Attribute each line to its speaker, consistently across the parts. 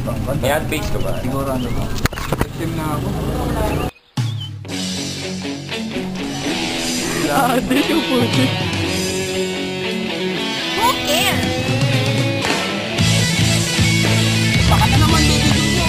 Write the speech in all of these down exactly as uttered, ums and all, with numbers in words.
Speaker 1: May adpage ka ba?
Speaker 2: Siguro ano ba? Victim na ako.
Speaker 3: Ah, dito yung puti.
Speaker 4: Who cares?
Speaker 3: Baka na naman dito dito.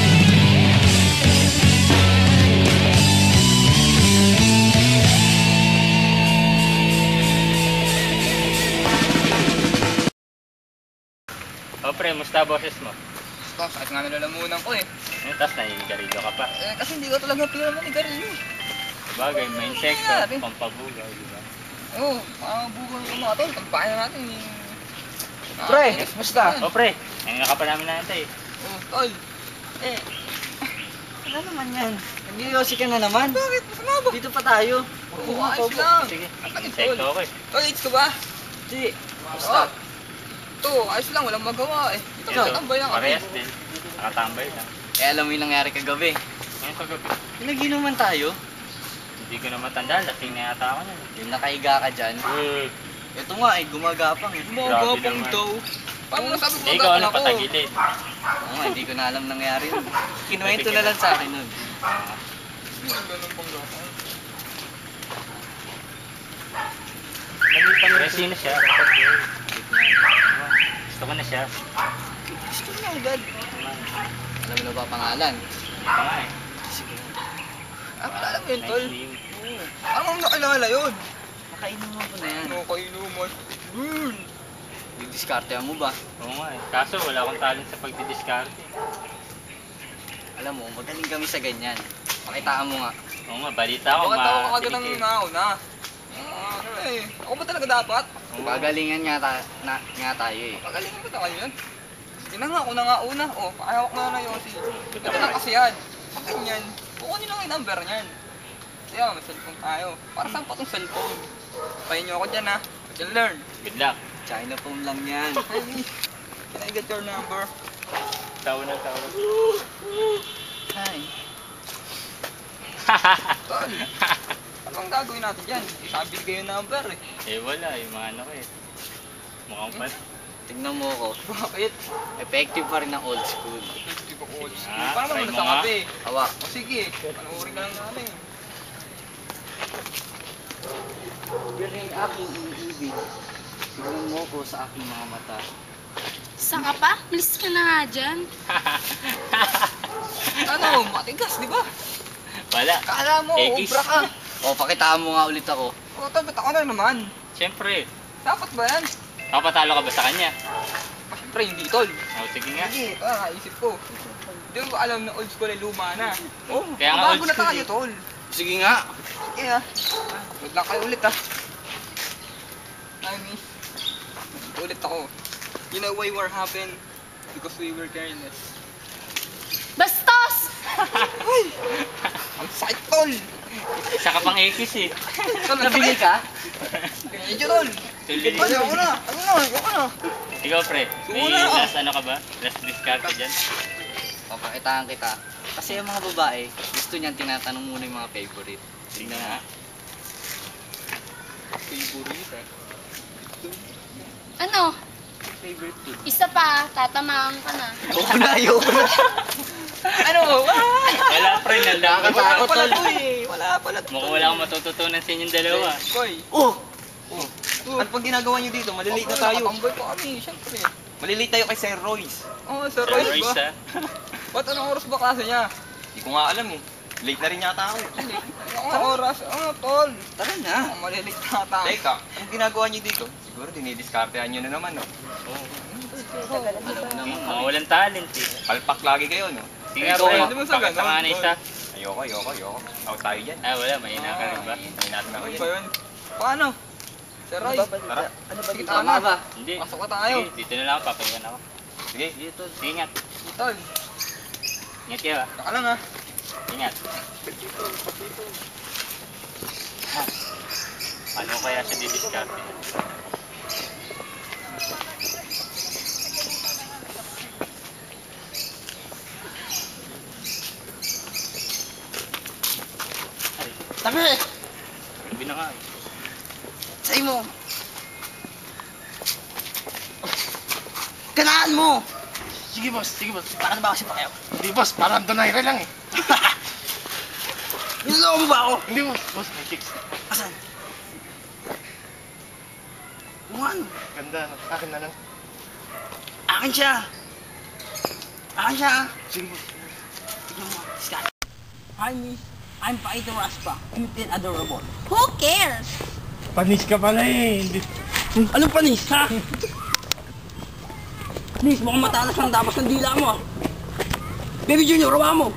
Speaker 5: O pre, musta boses mo?
Speaker 2: Tapos, kahit nga nalalamunan ko eh.
Speaker 5: Eh, tapos naninigarilyo ka pa.
Speaker 2: Eh, kasi hindi ko talaga pila manigarilyo.
Speaker 5: Sabagay, may insekto,
Speaker 2: Nangyari.
Speaker 5: pampabugaw, di ba?
Speaker 2: Oo, mga bugol ko mga tol. Pagpahin natin eh.
Speaker 6: Pre,
Speaker 2: Ah,
Speaker 6: musta?
Speaker 5: O pre, ngayon ka pa namin natin eh.
Speaker 2: Oo, tol.
Speaker 6: Eh, ano naman yan? Nag-iossi ka na naman.
Speaker 2: Bakit? Masama ba?
Speaker 6: Dito pa tayo.
Speaker 2: Oo, ayos lang.
Speaker 5: Sige,
Speaker 2: Ang takit,
Speaker 5: insekto
Speaker 2: tol.
Speaker 5: ako eh.
Speaker 2: Tol, age ka ba?
Speaker 6: Di,
Speaker 2: Oo.
Speaker 6: musta?
Speaker 2: Ito, ayos lang. Walang magawa eh. Ito,
Speaker 5: Ito,
Speaker 2: tambay lang kami.
Speaker 5: parehas din. Nakatambay lang.
Speaker 6: Eh, alam mo yung nangyari kagabi.
Speaker 5: Ngayon kagabi,
Speaker 6: Pinaginuman tayo.
Speaker 5: hindi ko na matandaan, lasing na yata ako niyan.
Speaker 6: Yung nakahiga ka dyan.
Speaker 5: Eh,
Speaker 6: Ito nga eh, gumagapang eh.
Speaker 2: Magapang
Speaker 5: naman.
Speaker 2: daw. Paano nasabi ko
Speaker 5: ikaw
Speaker 2: magapang
Speaker 5: ano
Speaker 2: ako?
Speaker 5: patagilid.
Speaker 6: Oo nga, hindi ko na alam nangyari nun. Kinuwento na lang sa akin nun.
Speaker 2: Hindi ko ganun pang gapang.
Speaker 5: Pero sino siya? Gusto ko na siya.
Speaker 2: Gusto niya agad.
Speaker 6: Alam mo na ba pangalan?
Speaker 5: Hindi pa nga eh.
Speaker 2: Ah, kilala mo yun, tol.
Speaker 5: Nice name.
Speaker 6: Oo.
Speaker 2: Ano mo nakilala yun?
Speaker 6: Nakainuman ko na yan.
Speaker 2: Ano kainuman? Yun.
Speaker 6: Didiskarte mo ba?
Speaker 5: Oo nga eh. Kaso wala akong talent sa pagdidiskarte.
Speaker 6: Alam mo, magaling kami sa ganyan. Pakitaan mo nga.
Speaker 5: Oo nga, balita ako.
Speaker 2: Bakit ako kagad ang
Speaker 5: matinikip.
Speaker 2: nauna? Ah, ano eh. Ako ba talaga dapat?
Speaker 5: Oo.
Speaker 6: Pagalingan nga, ta na, nga tayo eh.
Speaker 2: Pagalingan ba tayo yun? Sige na nga, una nga una. O, pakahawak na na Yossi. Ito na kasi yan. Pag ganyan, kukunin lang yung number niyan. Kaya, may cellphone tayo. Para saan pa itong cellphone? Pahin niyo ako dyan ha. I can learn.
Speaker 5: Good luck.
Speaker 6: China phone lang yan.
Speaker 2: Hey, can I get your number?
Speaker 5: Tawag na tawag.
Speaker 6: Hi.
Speaker 2: Tol, ano ang gagawin natin dyan? Sabi kayo yung number eh.
Speaker 5: Eh wala, yung mga ano ko eh. Mukhang pan.
Speaker 6: Tignan mo ako.
Speaker 2: Bakit?
Speaker 6: Effective pa rin ang old school.
Speaker 2: Hindi ko old school.
Speaker 5: Ah,
Speaker 2: Paano
Speaker 5: try
Speaker 2: naman
Speaker 5: mo
Speaker 2: sa
Speaker 5: nga.
Speaker 2: kape?
Speaker 6: Hawak.
Speaker 2: O sige, panoorin ka lang natin.
Speaker 6: Biring aking iniibig. Tignan mo ko sa aking mga mata.
Speaker 4: Saan ka pa? Malis ka na nga dyan.
Speaker 2: Ano, matigas, di ba?
Speaker 5: Wala.
Speaker 2: Kala mo,
Speaker 5: Ekis.
Speaker 2: ubra ka.
Speaker 6: O, pakitaan mo nga ulit ako.
Speaker 2: O, tapos ako na naman.
Speaker 5: Siyempre.
Speaker 2: Dapat ba yan?
Speaker 5: Kapatalo ka ba sa kanya?
Speaker 2: Ah, Siyempre, hindi tol.
Speaker 5: O sige nga.
Speaker 2: Sige, ah, naisip ko. Hindi mo ba alam na old school ay luma na? Oh,
Speaker 5: Kaya nga
Speaker 2: bago
Speaker 5: old
Speaker 2: na
Speaker 5: school
Speaker 2: tayo,
Speaker 5: eh.
Speaker 2: tol.
Speaker 6: Sige nga.
Speaker 2: Sige ah. Wait lang kayo ulit ah. Nami, ulit ako. You know why war happened? Because we were careless.
Speaker 4: Bastos!
Speaker 2: Ang sakit, tol!
Speaker 5: Isa ka pang ekis eh.
Speaker 2: Tol, ang
Speaker 6: Nabili
Speaker 2: sakit!
Speaker 6: ka?
Speaker 2: Medyo, tol!
Speaker 5: Tuloy.
Speaker 2: Tol, ako na! Ako na! Ako na!
Speaker 5: Ikaw pre, may
Speaker 2: Wala.
Speaker 5: last ano ka ba? Last discard ka dyan?
Speaker 6: O, pakitaan kita. Kasi yung mga babae, gusto niyan tinatanong muna yung mga favorite.
Speaker 5: Sige nga.
Speaker 2: Favorite ah.
Speaker 4: Ano?
Speaker 6: Favorite food.
Speaker 4: Isa pa, tatamaan ka na.
Speaker 6: Ayoko na, ayoko na.
Speaker 2: Ano? Ah!
Speaker 5: Wala pre, nalakot.
Speaker 2: Wala
Speaker 6: Nakakatakot
Speaker 2: pala
Speaker 6: tol.
Speaker 2: to eh! Wala pala to.
Speaker 5: Mukhang wala akong matututunan sa inyong dalawa.
Speaker 2: Koy!
Speaker 6: Oh!
Speaker 2: Oh!
Speaker 7: Ano pang ginagawa niyo dito? Malilate na
Speaker 2: Okay,
Speaker 7: tayo.
Speaker 2: nakatambay pa kami, syempre.
Speaker 7: Malilate tayo kay Sir Royce.
Speaker 2: Oo, oh, Sir
Speaker 5: Sir
Speaker 2: Royce
Speaker 5: Royce
Speaker 2: ba?
Speaker 5: ah.
Speaker 2: Ba't anong oras ba klase niya?
Speaker 7: Hindi ko nga alam eh. Late na rin yata ako.
Speaker 2: Anong oras? Ano, tol?
Speaker 6: Tara na.
Speaker 2: Ah, malilit na tayo.
Speaker 7: Teka, anong ginagawa niyo dito? Siguro dinidiskartehan niyo na naman, no?
Speaker 5: Oo.
Speaker 6: Alam mo naman.
Speaker 5: Mga walang talent eh.
Speaker 7: Palpak lagi kayo, no?
Speaker 5: Sige nga
Speaker 2: Ikaw,
Speaker 5: pre,
Speaker 2: hindi mo sa
Speaker 5: pakita
Speaker 2: ganon,
Speaker 5: nga na
Speaker 2: tol.
Speaker 5: isa.
Speaker 7: Ayoko, ayoko, ayoko. Out tayo dyan.
Speaker 5: Ah wala, may ina ka rin ba?
Speaker 7: Hintayin natin ako
Speaker 2: Ano
Speaker 7: yan.
Speaker 2: ba yun? Paano? Sir Roy,
Speaker 7: Tara.
Speaker 6: Ano
Speaker 2: Sige,
Speaker 6: Tama
Speaker 2: tama.
Speaker 6: ba?
Speaker 5: Hindi.
Speaker 2: pasok na tayo.
Speaker 5: Sige, dito na lang ako, papahingan ako.
Speaker 7: Sige.
Speaker 6: Dito.
Speaker 5: Sige, ingat.
Speaker 2: Tol,
Speaker 5: Ingat kayo ah.
Speaker 2: saka lang ha.
Speaker 5: Ingat. Ah. Paano kaya siya didiscarte?
Speaker 6: Tabi!
Speaker 5: Sabi na nga. eh.
Speaker 6: Sa'yo mo! Kanaan mo!
Speaker 1: Sige boss, sige boss.
Speaker 2: Para na ba kasi pakiyaw?
Speaker 1: Hindi boss, parang donaire lang eh.
Speaker 2: Niloloko mo ba ako?
Speaker 1: Hindi boss, boss, may chicks.
Speaker 2: Asan? Kung ano?
Speaker 1: Ganda, no? Akin na lang.
Speaker 2: Akin siya. Akin siya.
Speaker 1: Sige boss.
Speaker 2: Tignan mo. Scan. Hi, miss. I'm Paito Raspa. Cute and adorable.
Speaker 4: Who cares?
Speaker 1: Panis ka pala eh. Hindi.
Speaker 2: Anong panis, ha? Miss, mukhang matalas ang dapas ng dila mo. Baby Junior, hawa mo.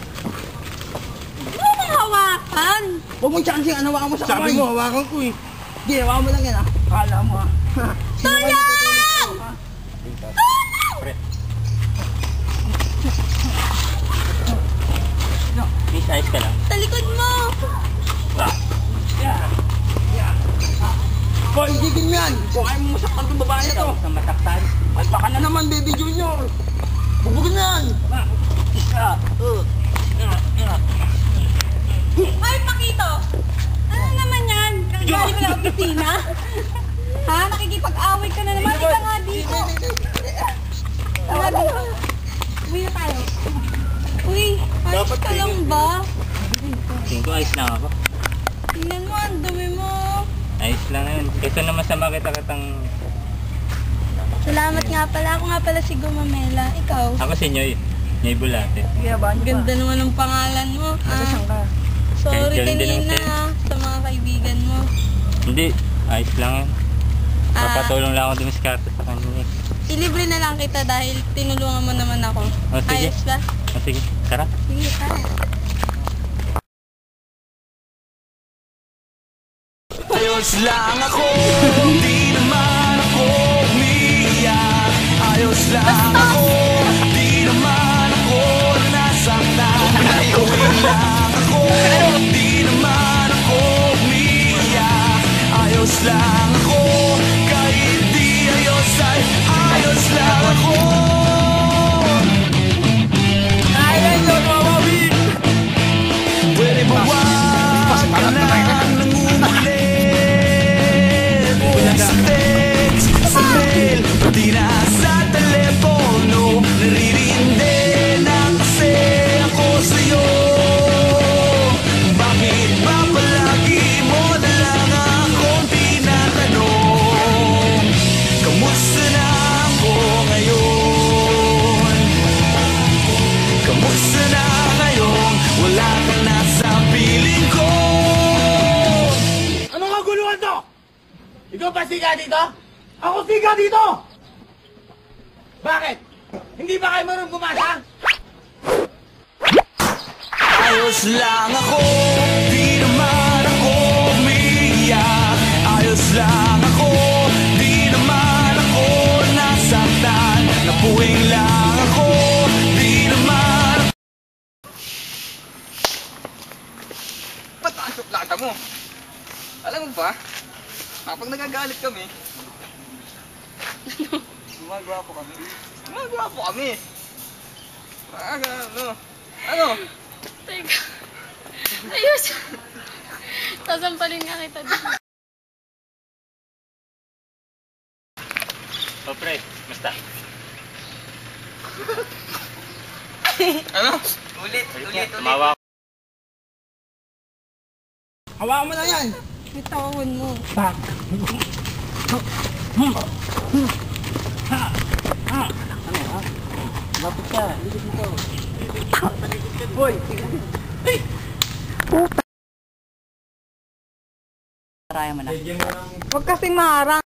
Speaker 4: Ano mong hawakan?
Speaker 2: Huwag mong chancing, ano hawakan mo sa kamay.
Speaker 1: Sabi mo, hawakan ko eh.
Speaker 2: Hindi, hawakan mo lang yan, ha? Akala mo, ha? Sino ba yung tutulog sa'yo, ha?
Speaker 5: Miss, ayos ka lang.
Speaker 4: Talikod mo!
Speaker 2: Hoy, higil mo yan! Kung ayaw mo masaktan itong babae na to.
Speaker 5: Sa mataktan.
Speaker 2: Ay, baka na naman, Baby Junior. Bubugin na yan.
Speaker 4: Ay, Pakito! Ano naman yan? Kagaling ka na opisina? Ha? Nakikipag-away ka na naman. Ika nga dito. Tama dito. Uwi na tayo. Uy, ayos ka lang ba?
Speaker 5: Tingin ko ayos lang ako.
Speaker 4: Tingnan mo, ang dumi mo.
Speaker 5: Ayos lang yun. Kaysa naman sa makita kitang...
Speaker 4: Salamat nga pala. Ako nga pala si Gumamela. Ikaw?
Speaker 5: Ako si Nyoy. Nyoy Bulate.
Speaker 4: Ganda naman ng pangalan mo.
Speaker 2: Nasaan ka?
Speaker 4: Sorry
Speaker 5: Galing din
Speaker 4: kanina
Speaker 5: naman
Speaker 4: ha, sa mga kaibigan mo.
Speaker 5: Hindi. Ayos lang yun.
Speaker 4: Ah,
Speaker 5: Papatulong lang ako dumiskarte sa kanya. eh.
Speaker 4: ilibre na lang kita dahil tinulungan mo naman ako.
Speaker 5: O, sige.
Speaker 4: Ayos ba?
Speaker 5: O, sige. Tara.
Speaker 4: Sige, tara.
Speaker 8: Ayos lang ako, di naman ako umiiyak. Ayos lang ako, di naman ako nasaktan. Ayos lang ako, di naman ako umiiyak. Ayos lang ako, kahit di ayos ay ayos lang ako. Pwede ba wag ka lang nangungulit? Sa text, sa mail, pati na sa telepono. Naririndi na kasi ako sa'yo. Bakit ba palagi mo na lang akong tinatanong? Kamusta na ako ngayon? Kamusta na ngayon? Wala ka na sa piling ko.
Speaker 1: Anong kaguluhan to? Ikaw ba siga dito? Ako siga dito! Bakit? Hindi ba kayo marunong bumasa?
Speaker 8: Ayos lang ako, di naman ako umiiyak. Ayos lang ako, di naman ako nasaktan. Napuwing lang ako, di naman.
Speaker 2: Ba't ang suplata mo? Alam mo ba, kapag nagagalit kami, gumagawa po kami. Gumagawa po kami. Aga, ano? Ano?
Speaker 4: Teka. Ayos. Sasampalin nga kita dito.
Speaker 5: O, pre. Basta.
Speaker 2: Ano? Ulit,
Speaker 5: Ulit
Speaker 2: ulit,
Speaker 5: nga.
Speaker 2: ulit.
Speaker 5: Tumawa ako.
Speaker 2: Hawakan mo na yan.
Speaker 4: Bitawan mo.
Speaker 6: Lapit ka. Likod mo to.
Speaker 2: Hoy,
Speaker 6: Raya mo na.
Speaker 2: huwag kasing maharang.